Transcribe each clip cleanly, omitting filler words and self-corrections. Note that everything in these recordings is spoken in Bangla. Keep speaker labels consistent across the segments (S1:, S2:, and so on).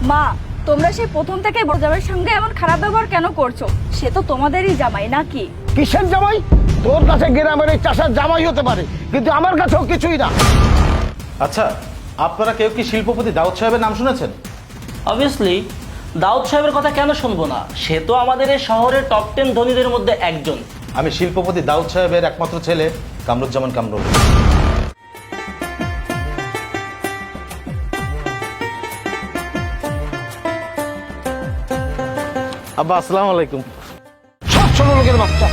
S1: মা, তোমরা সেই প্রথম থেকে বড় জামাইয়ের সঙ্গে এমন খারাপ ব্যবহার কেন করছো? সে তো তোমাদেরই জামাই নাকি?
S2: কিসের জামাই? তোর কাছে গ্রামের এই চাষার জামাই হতে পারে, কিন্তু আমার কাছেও কিছুই না।
S3: আচ্ছা, আপনারা কেউ কি শিল্পপতি দাউদ সাহেবের নাম শুনেছেন?
S4: অবভিয়াসলি দাউদ সাহেবের কথা কেন শুনবো না? সে তো আমাদের এই শহরের টপ 10 ধনীদের মধ্যে একজন।
S3: আমি শিল্পপতি দাউদ সাহেবের একমাত্র ছেলে কামরুজ্জামান কামরুল। আব্বা, আসসালামু আলাইকুম।
S2: সব ছোট লোকের বাচ্চা।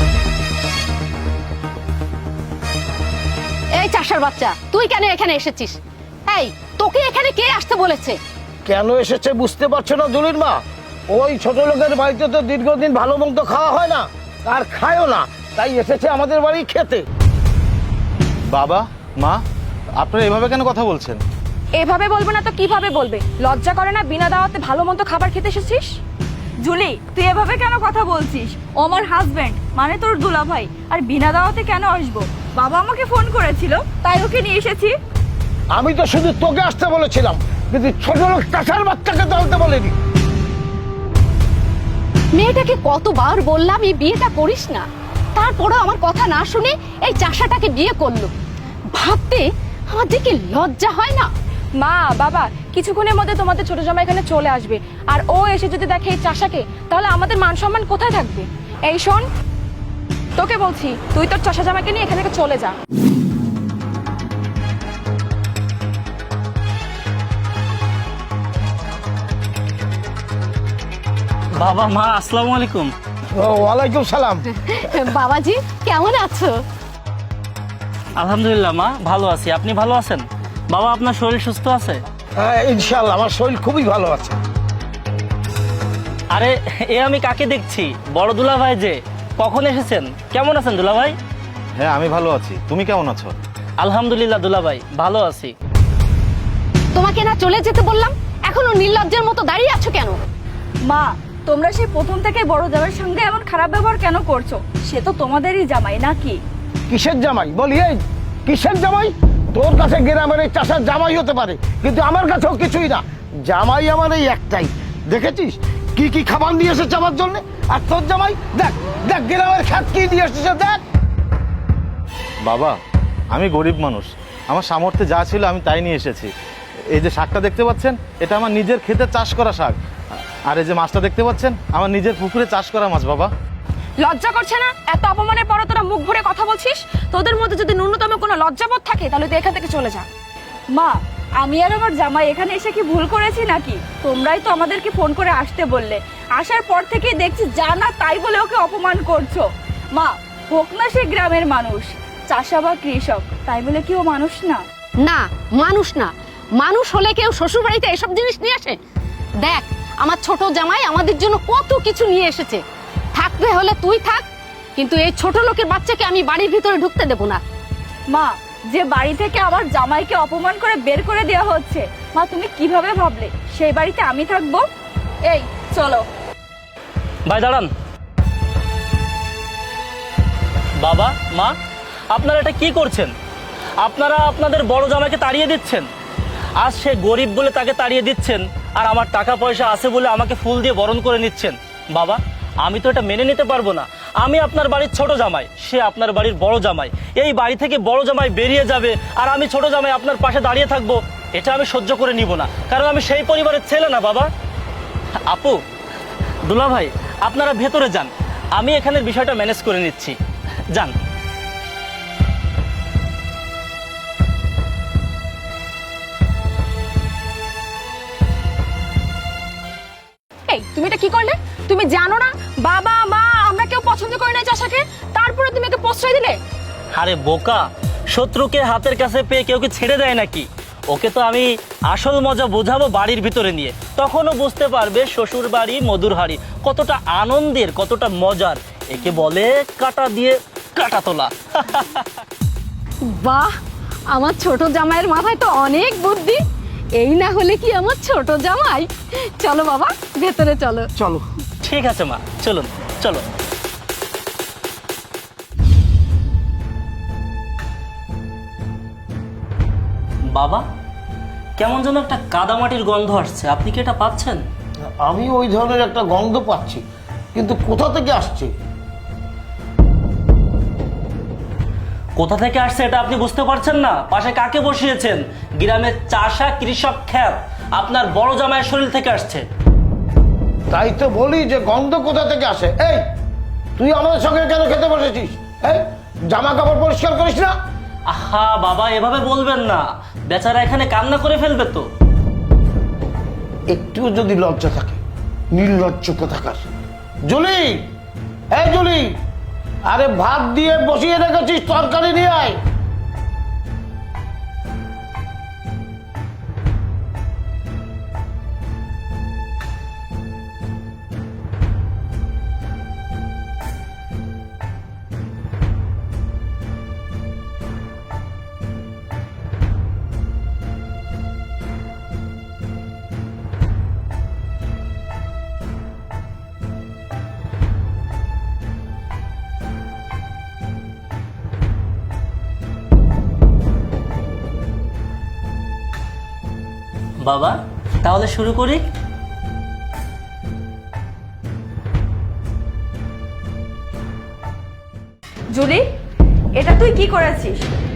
S5: এই চাষার বাচ্চা, তুই কেন এখানে এসেছিস? এই, তোকে এখানে কে আসতে বলেছে?
S2: কেন এসেছে বুঝতে পারছো না জলির মা? ওই ছোট লোকের বাড়িতে তো দীর্ঘদিন ভালো মন্দ খাওয়া হয় না, আর খায়ও না, তাই এসেছে আমাদের বাড়ি খেতে।
S3: বাবা, মা, আপনারা এভাবে কেন কথা বলছেন?
S1: এভাবে বলবো না তো কিভাবে বলবে? লজ্জা করে না বিনা দাওয়াতে ভালো মন্দ খাবার খেতে এসেছিস? জুলি, তুই এভাবে কেন কথা বলছিস? ও আমার হাজবেন্ড, মানে তোর দুলাভাই, আর বিনা দাওয়াতে কেন আসবো? বাবা আমাকে ফোন করেছিল, তাই ওকে নিয়ে এসেছি।
S2: আমি তো শুধু তোকে আসতে বলেছিলাম, কিন্তু ছোট লোক চাষার বাচ্চাকে দলতে বলিনি।
S5: মেয়েটাকে কতবার বললাম এই বিয়েটা করিস না, তারপরে আমার কথা না শুনে এই চাষাটাকে বিয়ে করলো। ভাবতে আমার যে কি লজ্জা হয় না।
S1: মা, বাবা, কিছুক্ষণের মধ্যে তোমাদের ছোট জামাই এখানে চলে আসবে, আর ও এসে যদি দেখে এই চাষাকে, তাহলে আমাদের মান সম্মান কোথায় থাকবে? এই শোন, তোকে বলছি, তুই তোর চাষা জামাইকে নিয়ে এখান থেকে চলে যা।
S4: বাবা, মা, আসসালামু আলাইকুম।
S2: ওয়ালাইকুম সালাম।
S5: বাবাজি, কেমন আছো?
S4: আলহামদুলিল্লাহ মা, ভালো আছি। আপনি ভালো আছেন? বাবা, আপনার শরীর সুস্থ আছে?
S2: ইনশাল্লাহ আমার শরীর খুবই ভালো আছে।
S4: আরে, এ আমি কাকে দেখছি? বড় দুলাভাই যে। কখন এসেছেন? কেমন আছেন দুলাভাই?
S3: হ্যাঁ, আমি ভালো আছি। তুমি কেমন আছো?
S4: আলহামদুলিল্লাহ দুলাভাই, ভালো আছি।
S5: তোমাকে না চলে যেতে বললাম, এখনো নির্লজ্জের মতো দাঁড়িয়ে আছো কেন?
S1: মা, তোমরা সেই প্রথম থেকে বড় জামাইয়ের সঙ্গে এমন খারাপ ব্যবহার কেন করছো? সে তো তোমাদেরই জামাই নাকি?
S2: কিসের জামাই বলি? এই কিসের জামাই? তোর কাছে গ্রামের এই চাষার জামাই হতে পারে, কিন্তু আমার কাছেও কিছুই না। জামাই আমার এই একটাই। দেখেছিস কি কি খাবার নিয়ে এসেছে আমার জন্য? আর তোর জামাই দেখ দেখ গ্রামের খ্যাত কি দিয়ে এসেছে দেখ।
S3: বাবা, আমি গরিব মানুষ, আমার সামর্থ্যে যা ছিল আমি তাই নিয়ে এসেছি। এই যে শাকটা দেখতে পাচ্ছেন, এটা আমার নিজের ক্ষেতে চাষ করা শাক। আর এই যে মাছটা দেখতে পাচ্ছেন, আমার নিজের পুকুরে চাষ করা মাছ। বাবা,
S1: লজ্জা করছে না? এত অপমানের পরও তোরা মুখ ভরে কথা বলছিস? তোদের মধ্যে যদি ন্যূনতম কোনো লজ্জাবোধ থাকে, তাহলে তুই এখান থেকে চলে যা। মা, আমি আর আমার জামাই এখানে এসে কি ভুল করেছি নাকি? তোমরাই তো আমাদেরকে ফোন করে আসতে বললে। আসার পর থেকেই দেখছি যা না তাই বলে ওকে অপমান করছো। মা, হোক না সে গ্রামের মানুষ, চাষা বা কৃষক, তাই বলে কি ও মানুষ না?
S5: না, মানুষ না। মানুষ হলে কেউ শ্বশুর বাড়িতে এসব জিনিস নিয়ে আসে? দেখ, আমার ছোট জামাই আমাদের জন্য কত কিছু নিয়ে এসেছে। থাকতে হলে তুই থাক, কিন্তু এই ছোট লোকের বাচ্চাকে আমি বাড়ির ভিতরে ঢুকতে দেবো না।
S1: মা, যে বাড়ি থেকে আমার জামাইকে অপমান করে বের করে দেওয়া হচ্ছে, মা তুমি কিভাবে ভাবলে সেই বাড়িতে আমি থাকবো? এই চলো।
S4: ভাই দাঁড়ান। বাবা, মা, আপনারা এটা কি করছেন? আপনারা আপনাদের বড় জামাইকে তাড়িয়ে দিচ্ছেন। আজ সে গরিব বলে তাকে তাড়িয়ে দিচ্ছেন, আর আমার টাকা পয়সা আছে বলে আমাকে ফুল দিয়ে বরণ করে নিচ্ছেন। বাবা, আমি তো এটা মেনে নিতে পারবো না। আমি আপনার বাড়ির ছোট জামাই, সে আপনার বাড়ির বড় জামাই। এই বাড়ি থেকে বড় জামাই বেরিয়ে যাবে, আর আমি ছোট জামাই আপনার পাশে দাঁড়িয়ে থাকবো, এটা আমি সহ্য করে নিব না। কারণ আমি সেই পরিবারের ছেলে না। বাবা, আপু, দুলাভাই, আপনারা ভেতরে যান, আমি এখানের বিষয়টা ম্যানেজ করে নিচ্ছি। যান।
S1: এই তুমি এটা কি করলে? তুমি জানো না বাবা মা আমরা কেউ পছন্দ করি না চাষাকে, তারপরে তুমি একে প্রশ্রয় দিলে?
S4: আরে বোকা, শত্রুকে হাতের কাছে পেয়ে কেউ কি ছেড়ে দেয় নাকি? ওকে তো আমি আসল মজা বোঝাবো বাড়ির ভিতরে নিয়ে, তখনও বুঝতে পারবে শ্বশুর বাড়ি মধুর হাড়ি কতটা আনন্দের, কতটা মজার। একে বলে কাটা দিয়ে কাটা তোলা।
S5: বাহ, আমার ছোট জামাইয়ের মাথায় তো অনেক বুদ্ধি। এই না হলে কি আমার ছোট জামাই? চলো বাবা, ভেতরে চলো।
S2: চলো।
S4: ঠিক আছে মা, চলুন, চলো। বাবা, কেমন যেন একটা কাদামাটির গন্ধ আসছে, আপনি কি এটা পাচ্ছেন?
S2: আমি ওই ধরনের একটা গন্ধ পাচ্ছি, কিন্তু কোথা থেকে আসছে?
S4: কোথা থেকে আসছে এটা আপনি বুঝতে পারছেন না? পাশে কাকে বসিয়েছেন? গ্রামের চাষা কৃষক খ্যাত আপনার বড় জামাইয়ের শরীর থেকে আসছে।
S2: তাই তো বলি যে গন্ধ কোথা থেকে আসে। এই, তুই আমাদের সঙ্গে কেন খেতে বসেছিস? এই, জামা কাপড় পরিষ্কার করিস না?
S4: আহা বাবা, এভাবে বলবেন না, বেচারা এখানে কান্না করে ফেলবে তো।
S2: একটুও যদি লজ্জা থাকে, নির্লজ্জ কোথাকার। জুলি, এই জুলি, আরে ভাত দিয়ে বসিয়ে রেখেছিস, তরকারি নিয়ে আয়।
S4: বাবা, তাহলে শুরু করি।
S1: জুলি, এটা তুই কি করেছিস?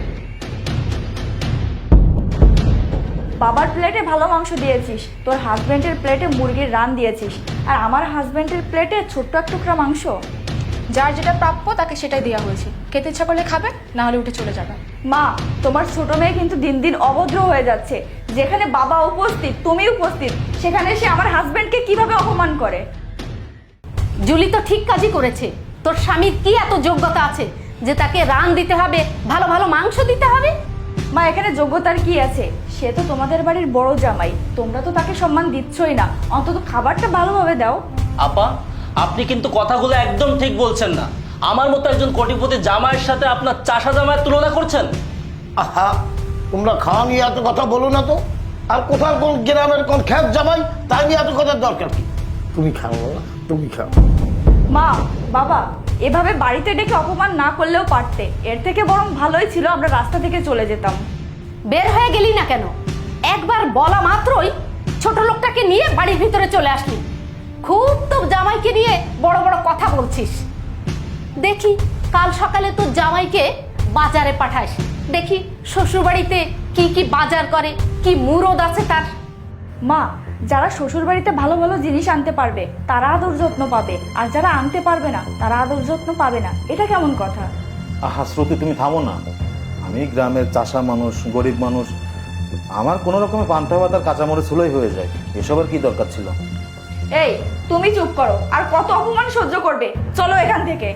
S1: বাবার প্লেটে ভালো মাংস দিয়েছিস, তোর হাজবেন্ডের প্লেটে মুরগির রান দিয়েছিস, আর আমার হাজবেন্ডের প্লেটে ছোট্ট এক টুকরা মাংস। যার যেটা প্রাপ্য তাকে সেটাই দেওয়া হয়েছে। খেতে ইচ্ছা করলে খাবে, না হলে উঠে চলে যাবে। মা, তোমার ছোট মেয়ে কিন্তু দিন দিন অভদ্র হয়ে যাচ্ছে। যেখানে বাবা উপস্থিত, তুমি উপস্থিত, সেখানে সে আমার হাজবেন্ডকে কিভাবে অপমান করে।
S5: জুলি তো ঠিক কাজই করেছে। তোর স্বামীর কি এত যোগ্যতা আছে যে তাকে রান দিতে হবে, ভালো ভালো মাংস দিতে হবে?
S1: মা, এখানে যোগ্যতার কি আছে? সে তো তোমাদের বাড়ির বড় জামাই, তোমরা তো তাকে সম্মান দিচ্ছই না, অন্তত খাবারটা ভালোভাবে দাও।
S4: আপা, আপনি কিন্তু কথাগুলো একদম ঠিক বলছেন না। আমার মতো একজন কোটিপতি জামাইয়ের সাথে আপনার চাষা জামাইয়ের তুলনা করছেন।
S2: আহা, তোমরা খাওয়া নিয়ে এত কথা বলো না তো। আর কোথাও কোন গ্রামের কোন খ্যাত জামাই, তাই নিয়ে এত কথার দরকার কি? তুমি খাও না, তুমি খাও।
S1: মা, বাবা, এভাবে বাড়িতে ডেকে অপমান না করলেও পারতে। এর থেকে বরং ভালোই ছিল আমরা রাস্তা থেকে চলে যেতাম।
S5: বের হয়ে গেলি না কেন? একবার বলা মাত্রই ছোট লোকটাকে নিয়ে বাড়ির ভিতরে চলে আসলি। খুব তো জামাইকে নিয়ে বড় বড় কথা বলছিস। দেখি কাল সকালে তোর জামাইকে বাজারে পাঠাস, দেখি শ্বশুরবাড়িতে কি কি বাজার করে, কি মুরদ আছে তার।
S1: মা, যারা শ্বশুর বাড়িতে ভালো ভালো জিনিস আনতে পারবে তারা আদর যত্ন পাবে, আর যারা আনতে পারবে না তারা আদর যত্ন পাবে না। এটা কেমন কথা?
S3: আহা শ্রুতি, তুমি থামো না। আমি গ্রামের চাষা মানুষ, গরিব মানুষ, আমার কোনো রকমের পান্তা ভাত আর কাঁচামরিচ হলেই হয়ে যায়। এসবের কি দরকার ছিল?
S1: এই, তুমি চুপ করো। আর কত অপমান সহ্য করবে? চলো এখান থেকে।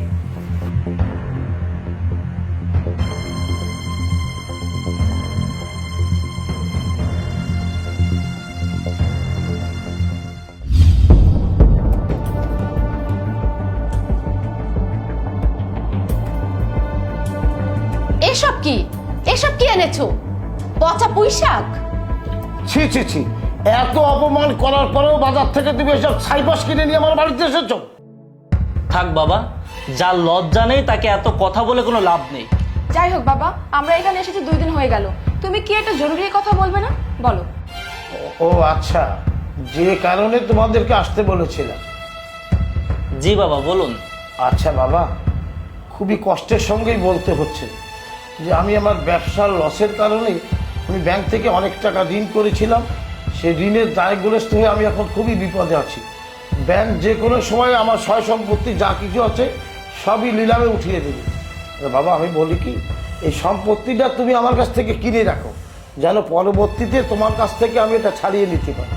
S5: এসব কি, এসব কি এনেছো? পচা পুঁই শাক?
S2: ছি ছি ছি, এত অপমান করার পরেও বাজার থেকে তুমি এসব ছাইপাশ কিনে নিয়ে আমার বাড়িতে এসেছো?
S4: থাক বাবা, যার লজ্জা নেই তাকে এত কথা বলে কোনো লাভ নেই।
S1: যাই হোক বাবা, আমরা এখানে এসেছি 2 দিন হয়ে গেল। তুমি কি একটা জরুরি কথা বলবে না? বলো।
S2: ও আচ্ছা, যে কারণে তোমাদেরকে আসতে বলেছিলাম।
S4: জি বাবা, বলুন।
S2: আচ্ছা বাবা, খুবই কষ্টের সঙ্গেই বলতে হচ্ছে যে আমি আমার ব্যবসার লসের কারণে আমি ব্যাংক থেকে অনেক টাকা ঋণ করেছিলাম। সেই ঋণের দায়গ্রস্ত হয়ে আমি এখন খুবই বিপদে আছি। ব্যাংক যে কোনো সময় আমার সয় সম্পত্তি যা কিছু আছে সবই নিলামে উঠিয়ে দেবে। বাবা, আমি বলি কি, এই সম্পত্তিটা তুমি আমার কাছ থেকে কিনে রাখো, যেন পরবর্তীতে তোমার কাছ থেকে আমি এটা ছাড়িয়ে নিতে পারি।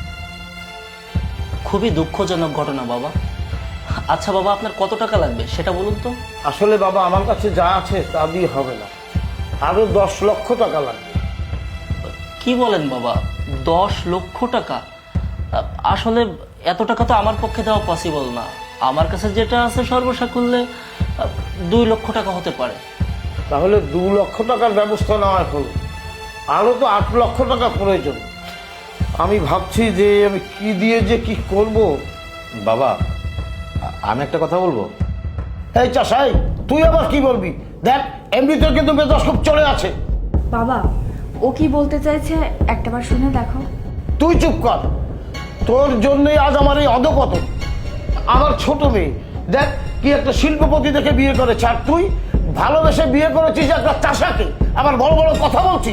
S4: খুবই দুঃখজনক ঘটনা বাবা। আচ্ছা বাবা, আপনার কত টাকা লাগবে সেটা বলুন তো।
S2: আসলে বাবা, আমার কাছে যা আছে তা দিয়ে হবে না, আরো 10 লক্ষ টাকা লাগবে।
S4: কি বলেন বাবা, 10 লক্ষ টাকা? আসলে এত টাকা তো আমার পক্ষে দেওয়া পসিবল না। আমার কাছে যেটা আছে সর্বসাকুল্যে 2 লক্ষ টাকা হতে পারে।
S2: তাহলে 2 লক্ষ টাকার ব্যবস্থা নেওয়া হলো, আরো তো 8 লক্ষ টাকা প্রয়োজন। আমি ভাবছি যে আমি কি দিয়ে যে কি করব।
S3: বাবা, আমি একটা কথা বলবো।
S2: এই চাষাই, তুই আবার কি বলবি? দেখ, এমনিতে কিন্তু মেজাজ খুব চলে আছে।
S1: বাবা, ও কি বলতে চাইছে একটাবার শুনে দেখো।
S2: তুই চুপ কর, তোর জন্যই আজ আমার এই অধপতন। আমার ছোট মেয়ে দেখ কি একটা শিল্পপতি দেখে বিয়ে করেছে, আর তুই ভালোবেসে বিয়ে করেছিস একটা চাষাকে, আবার বড় বড় কথা বলছিস,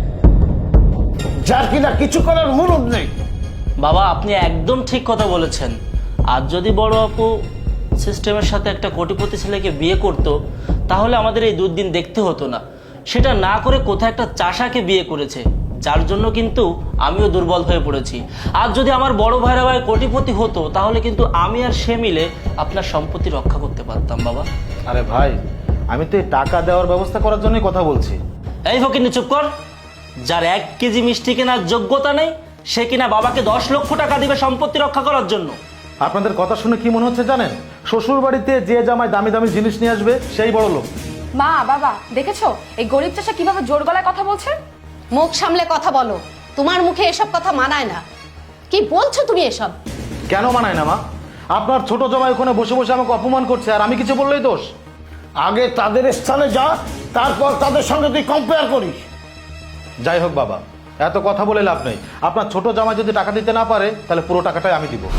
S2: যার কিনা কিছু করার মুরুদ নেই।
S4: বাবা আপনি একদম ঠিক কথা বলেছেন। আর যদি বড় আপু সিস্টেমের সাথে একটা কোটিপতি ছেলেকে বিয়ে করতো তাহলে আমাদের এই দুর্দিন দেখতে হতো না। সেটা না করে কোথায় একটা চাষাকে বিয়ে করেছে, যার জন্য কিন্তু আমিও দুর্বল হয়ে পড়েছি। আর যদি আমার বড় ভাইরা ভাই কোটিপতি হতো তাহলে কিন্তু আমি আর সে মিলে আপনার সম্পত্তি রক্ষা করতে পারতাম বাবা।
S3: আরে ভাই, আমি তো এই টাকা দেওয়ার ব্যবস্থা করার জন্যই কথা বলছি।
S4: এই ফকিন্নি চুপ কর। যার 1 কেজি মিষ্টি কেনার যোগ্যতা নেই সে কিনা বাবাকে 10 লক্ষ টাকা দিবে সম্পত্তি রক্ষা করার জন্য।
S3: আপনাদের কথা শুনে কি মনে হচ্ছে জানেন? শ্বশুর বাড়িতে যে জামাই দামি দামি জিনিস নিয়ে আসবে সেই বড় লোক।
S1: মা বাবা দেখেছো এই গরিব চাষা কিভাবে জোর গলায় কথা বলছে?
S5: মুখ সামলে কথা বলো, তোমার মুখে এসব কথা মানায় না। কি বলছো তুমি এসব?
S3: কেন মানায় না মা? আপনার ছোট জামাই ওখানে বসে বসে আমাকে অপমান করছে, আর আমি কিছু বললেই দোষ?
S2: আগে তাদের স্থানে যা, তারপর তাদের সঙ্গে তুই কম্পেয়ার করিস।
S3: যাই হোক বাবা, এত কথা বলে লাভ নেই। আপনার ছোট জামাই যদি টাকা দিতে না পারে তাহলে পুরো টাকাটাই আমি দিব।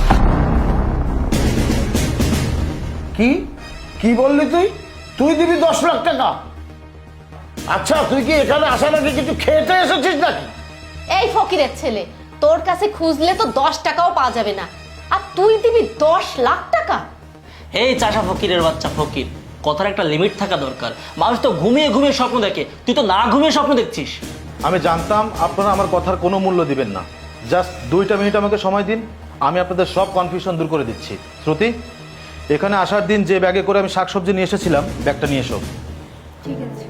S2: কি কি বললি তুই? তুই দিবি 10 লাখ টাকা? আচ্ছা তুই কি এখানে আসার আগে কিছু খেতে এসেছিস নাকি?
S5: এই ফকিরের ছেলে, তোর কাছে খুঁজলে তো 10 টাকাও পাওয়া যাবে না, আর তুই দিবি 10 লাখ টাকা?
S4: এই চাষা ফকিরের বাচ্চা ফকির, কথার একটা লিমিট থাকা দরকার। মানুষ তো ঘুমিয়ে ঘুমিয়ে স্বপ্ন দেখে, তুই তো না ঘুমিয়ে স্বপ্ন দেখছিস।
S3: আমি জানতাম আপনারা আমার কথার কোনো মূল্য দিবেন না। জাস্ট 2টা মিনিট আমাকে সময় দিন, আমি আপনাদের সব কনফিউশন দূর করে দিচ্ছি। শ্রুতি, এখানে আসার দিন যে ব্যাগে করে আমি শাকসবজি নিয়ে এসেছিলাম ব্যাগটা নিয়ে এসো।
S1: ঠিক আছে।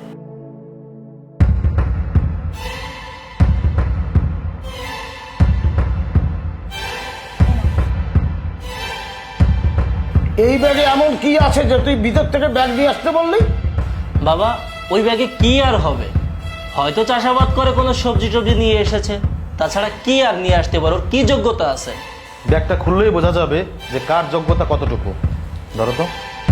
S2: এই ব্যাগে এমন কি আছে যে তুই ভিতর থেকে ব্যাগ নিয়ে আসতে বললি?
S4: বাবা ওই ব্যাগে কি আর হবে? হয়তো চাষাবাদ করে কোনো সবজি টবজি নিয়ে এসেছে, তাছাড়া কি আর নিয়ে আসতে পারো? কি যোগ্যতা আছে?
S3: ব্যাগটা খুললেই বোঝা যাবে যে কার যোগ্যতা কতটুকু। ধরো তো।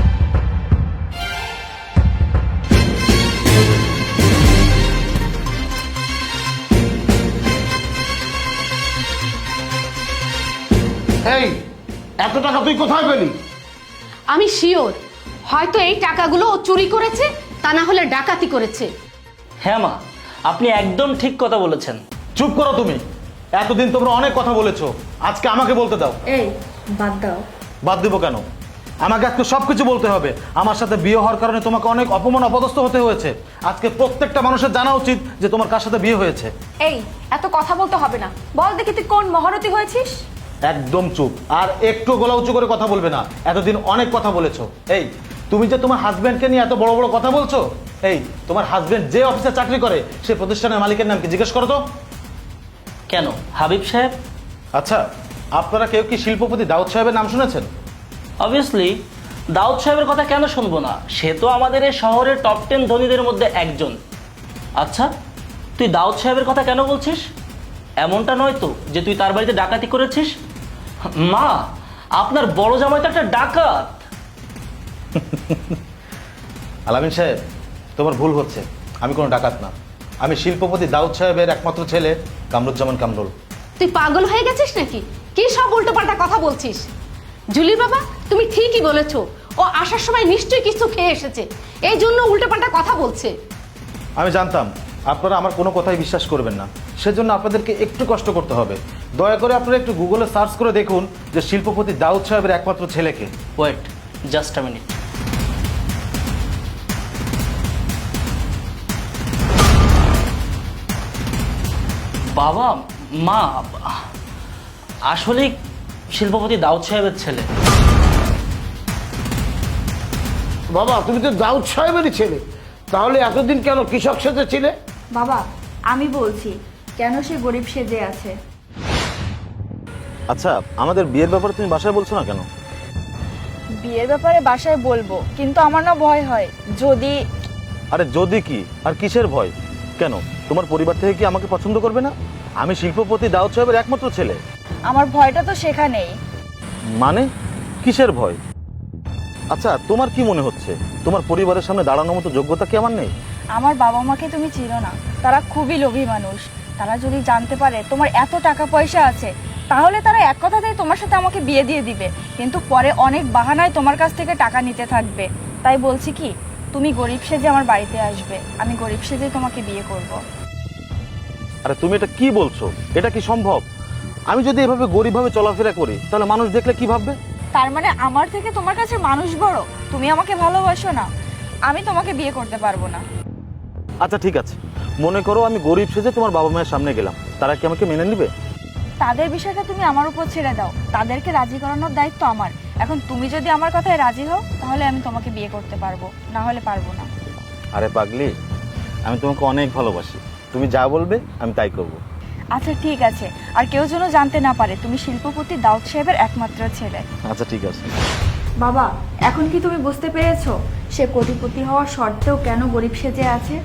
S2: এই এত টাকা তুই কোথায় পেলি?
S5: আমি শিওর হয়তো এই টাকাগুলো ও চুরি করেছে, তা না হলে ডাকাতি করেছে।
S4: হ্যাঁ মা, আপনি একদম ঠিক কথা বলেছেন।
S3: চুপ করো তুমি। এতদিন তোমরা অনেক কথা বলেছো, আজকে আমাকে বলতে দাও।
S1: এই বাদ দাও।
S3: বাদ দিব কেন? আমাকে আজকে সবকিছু বলতে হবে। আমার সাথে বিয়ে হওয়ার কারণে তোমাকে অনেক অপমান অপদস্থ হতে হয়েছে। আজকে প্রত্যেকটা মানুষের জানা উচিত যে তোমার কার সাথে বিয়ে হয়েছে।
S1: এই এত কথা বলতে হবে না, বল দেখি তুই কোন মহারথী হয়েছিস?
S3: একদম চুপ, আর একটু গলা উঁচু করে কথা বলবে না। এতদিন অনেক কথা বলেছো। এই তুমি যে তোমার হাজবেন্ডকে নিয়ে এত বড় বড় কথা বলছো, এই তোমার হাজবেন্ড যে অফিসে চাকরি করে সে প্রতিষ্ঠানের মালিকের নাম কি জিজ্ঞেস করো তো।
S4: কেন হাবিব সাহেব?
S3: আচ্ছা, আপনারা কেউ কি শিল্পপতি দাউদ সাহেবের নাম শুনেছেন?
S4: অবভিয়াসলি দাউদ সাহেবের কথা কেন শুনবো না? সে তো আমাদের এই শহরের টপ 10 ধনীদের মধ্যে একজন। আচ্ছা তুই দাউদ সাহেবের কথা কেন বলছিস? এমনটা নয় তো যে তুই তার বাড়িতে ডাকাতি করেছিস? মা, আপনার বড় জামাই তো একটা ডাকাত।
S3: আলামিন সাহেব, তোমার ভুল হচ্ছে। আমি কোনো ডাকাত না। আমি শিল্পপতি দাউদ সাহেবের একমাত্র ছেলে কামরুজ্জামান কামরুল।
S5: তুই পাগল হয়ে গেছিস নাকি? কি সব উল্টোপাল্টা কথা বলছিস? জুলি বাবা, তুমি ঠিকই বলেছো, ও আসার সময় নিশ্চয়ই কিছু খেয়ে এসেছে, এই জন্য উল্টোপাল্টা কথা বলছে।
S3: আমি জানতাম আপনারা আমার কোনো কথাই বিশ্বাস করবেন না, সেজন্য আপনাদেরকে একটু কষ্ট করতে হবে। দয়া করে আপনারা একটু গুগলে সার্চ করে দেখুন যে শিল্পপতি দাউদ সাহেবের একমাত্র ছেলেকে।
S4: Wait just a minute. বাবা মা, আসলে শিল্পপতি দাউদ সাহেবের ছেলে।
S2: বাবা তুমি তো দাউদ সাহেবেরই ছেলে, তাহলে এতদিন কেন কৃষক সেজে ছিলে?
S1: বাবা আমি বলছি কেন সে গরিব সেজে আছে।
S3: আচ্ছা, আমাদের বিয়ের ব্যাপারে তুমি বাসায় বলছো না কেন?
S1: বিয়ের ব্যাপারে বাসায় বলবো, কিন্তু আমার না ভয় হয় যদি।
S3: আরে যদি কি আর কিসের ভয়? কেন তোমার পরিবার থেকে কি আমাকে পছন্দ করবে না? আমি শিল্পপতি দাউদ সাহেবের একমাত্র ছেলে।
S1: আমার ভয়টা তো সেখানেই।
S3: মানে কিসের ভয়? আচ্ছা তোমার কি মনে হচ্ছে তোমার পরিবারের সামনে দাঁড়ানোর মতো যোগ্যতা কি আমার নেই?
S1: আমার বাবা মাকে তুমি চিনো না, তারা খুবই লোভী মানুষ। তারা যদি জানতে পারে তোমার এত টাকা পয়সা আছে, তাহলে তারা এক কথাতেই তোমার সাথে আমাকে বিয়ে দিয়ে দিবে, কিন্তু পরে অনেক বাহানায় তোমার কাছ থেকে টাকা নিতে থাকবে। তাই বলছি কি, তুমি গরিব সেজে আমার বাড়িতে আসবে, আমি গরিব সেজে তোমাকে বিয়ে করব।
S3: আরে তুমি এটা কি বলছো? এটা কি সম্ভব? আমি যদি এভাবে গরিবভাবে চলাফেরা করি তাহলে মানুষ দেখলে কি ভাববে?
S1: তার মানে আমার থেকে তোমার কাছে মানুষ বড়? তুমি আমাকে ভালোবাসো না? আমি তোমাকে বিয়ে করতে পারবো না।
S3: আচ্ছা ঠিক আছে, মনে করো আমি গরিব সেজে তোমার বাবা মায়ের সামনে গেলাম, তারা কি আমাকে মেনে নেবে?
S1: তাদের বিষয়টা তুমি আমার উপর ছেড়ে দাও, তাদেরকে রাজি করানোর দায়িত্ব আমার। এখন তুমি যদি আমার কথায় রাজি হও তাহলে আমি তোমাকে বিয়ে করতে পারবো, না হলে পারবো না।
S3: আরে পাগলি, আমি তোমাকে অনেক ভালোবাসি, তুমি যা বলবে আমি তাই করব।
S1: আচ্ছা ঠিক আছে, আর কেউ যেন জানতে না পারে তুমি শিল্পপতি দাউদ সাহেবের একমাত্র ছেলে।
S3: আচ্ছা ঠিক আছে।
S1: বাবা, এখন কি তুমি বুঝতে পেরেছো সে কোটিপতি হওয়ার শর্তেও কেন গরিব সেজে আছে?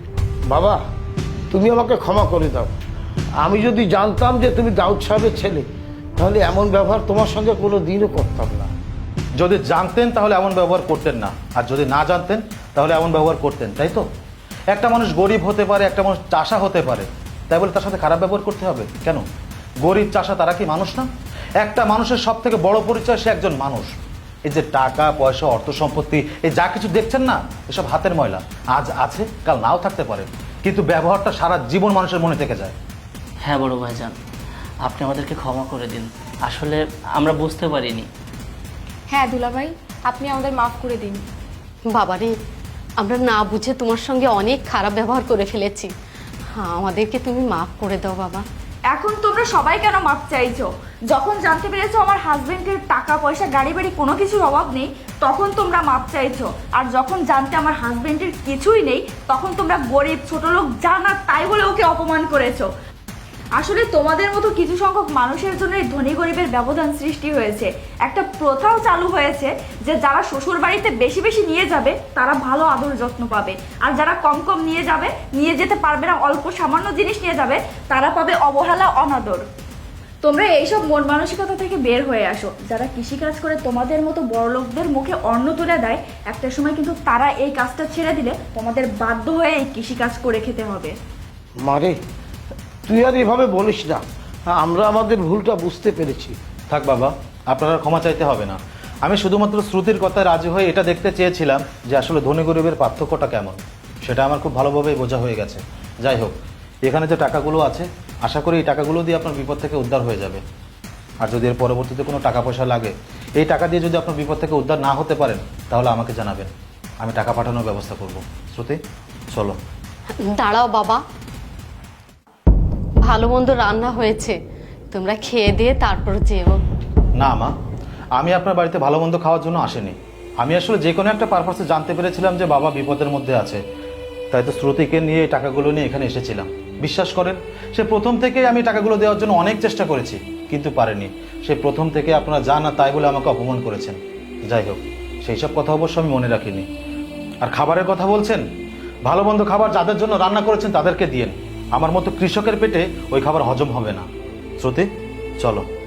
S2: বাবা, তুমি আমাকে ক্ষমা করে দাও। আমি যদি জানতাম যে তুমি দাউদ সাহেবের ছেলে, তাহলে এমন ব্যবহার তোমার সঙ্গে কোনো দিনও করতাম না।
S3: যদি জানতেন তাহলে এমন ব্যবহার করতেন না, আর যদি না জানতেন তাহলে এমন ব্যবহার করতেন, তাই তো? একটা মানুষ গরিব হতে পারে, একটা মানুষ চাষা হতে পারে, তাই বলে তার সাথে খারাপ ব্যবহার করতে হবে কেন? গরিব চাষা তারা কি মানুষ না? একটা মানুষের সব থেকে বড় পরিচয় সে একজন মানুষ। এই যে টাকা পয়সা অর্থ সম্পত্তি এই যা কিছু দেখছেন না, এসব হাতের ময়লা, আজ আছে কাল নাও থাকতে পারে, কিন্তু ব্যবহারটা সারা জীবন মানুষের মনে থেকে যায়।
S4: হ্যাঁ বড় ভাইজান, আপনি আমাদেরকে ক্ষমা করে দিন, আসলে আমরা বুঝতে পারিনি।
S1: হ্যাঁ দুলাভাই, আপনি আমাদের মাফ করে দিন।
S5: বাবারে, আমরা না বুঝে তোমার সঙ্গে অনেক খারাপ ব্যবহার করে ফেলেছি। হ্যাঁ, আমাদেরকে তুমি মাফ করে দাও বাবা।
S1: এখন তোমরা সবাই কেন মাপ চাইছো? যখন জানতে পেরেছো আমার হাজবেন্ডের টাকা পয়সা গাড়ি বাড়ি কোনো কিছুর অভাব নেই, তখন তোমরা মাপ চাইছো। আর যখন জানতে আমার হাজবেন্ডের কিছুই নেই, তখন তোমরা গরিব ছোট লোক যা না তাই বলে ওকে অপমান করেছো। আসলে তোমাদের মতো কিছু সংখ্যক মানুষের জন্য এই ধনী গরিবের ব্যবধান সৃষ্টি হয়েছে। একটা প্রথাও চালু হয়েছে যে যারা শ্বশুর বাড়িতে বেশি বেশি নিয়ে যাবে তারা ভালো আদর যত্ন পাবে, আর যারা কম কম নিয়ে যেতে পারবে না, অল্প সামান্য জিনিস নিয়ে যাবে, তারা পাবে অবহেলা অনাদর। তোমরা এইসব মন মানসিকতা থেকে বের হয়ে আসো। যারা কৃষিকাজ করে তোমাদের মতো বড়লোকদের মুখে অন্ন তুলে দেয়, একটা সময় কিন্তু তারা এই কাজটা ছেড়ে দিলে তোমাদের বাধ্য হয়ে এই কৃষিকাজ করে খেতে হবে।
S2: মারে, তুই আর এভাবে বলিস না, আমরা আমাদের ভুলটা বুঝতে পেরেছি।
S3: থাক বাবা, আপনারা ক্ষমা চাইতে হবে না। আমি শুধুমাত্র শ্রুতির কথায় রাজি হয়ে এটা দেখতে চেয়েছিলাম যে আসলে ধনী গরিবের পার্থক্যটা কেমন। সেটা আমার খুব ভালোভাবেই বোঝা হয়ে গেছে। যাই হোক, এখানে যে টাকাগুলো আছে, আশা করি এই টাকাগুলো দিয়ে আপনার বিপদ থেকে উদ্ধার হয়ে যাবে। আর যদি এর পরবর্তীতে কোনো টাকা পয়সা লাগে, এই টাকা দিয়ে যদি আপনার বিপদ থেকে উদ্ধার না হতে পারেন, তাহলে আমাকে জানাবেন, আমি টাকা পাঠানোর ব্যবস্থা করব। শ্রুতি, চলো।
S5: দাঁড়াও বাবা, ভালো মন্দ রান্না হয়েছে, তোমরা খেয়ে দিয়ে তারপর যেও।
S3: না মা, আমি আপনার বাড়িতে ভালো মন্দ খাওয়ার জন্য আসিনি। আমি আসলে যে কোনো একটা পারপাসে জানতে পেরেছিলাম যে বাবা বিপদের মধ্যে আছে, তাই তো শ্রুতিকে নিয়ে এই টাকাগুলো নিয়ে এখানে এসেছিলাম। বিশ্বাস করেন, সে প্রথম থেকে আমি টাকাগুলো দেওয়ার জন্য অনেক চেষ্টা করেছি, কিন্তু পারেনি। সে প্রথম থেকে আপনারা যা না তাই বলে আমাকে অপমান করেছেন। যাই হোক, সেই সব কথা অবশ্য আমি মনে রাখিনি। আর খাবারের কথা বলছেন, ভালো মন্দ খাবার যাদের জন্য রান্না করেছেন তাদেরকে দিয়েন। আমার মতো কৃষকের পেটে ওই খাবার হজম হবে না। শ্রুতি, চলো।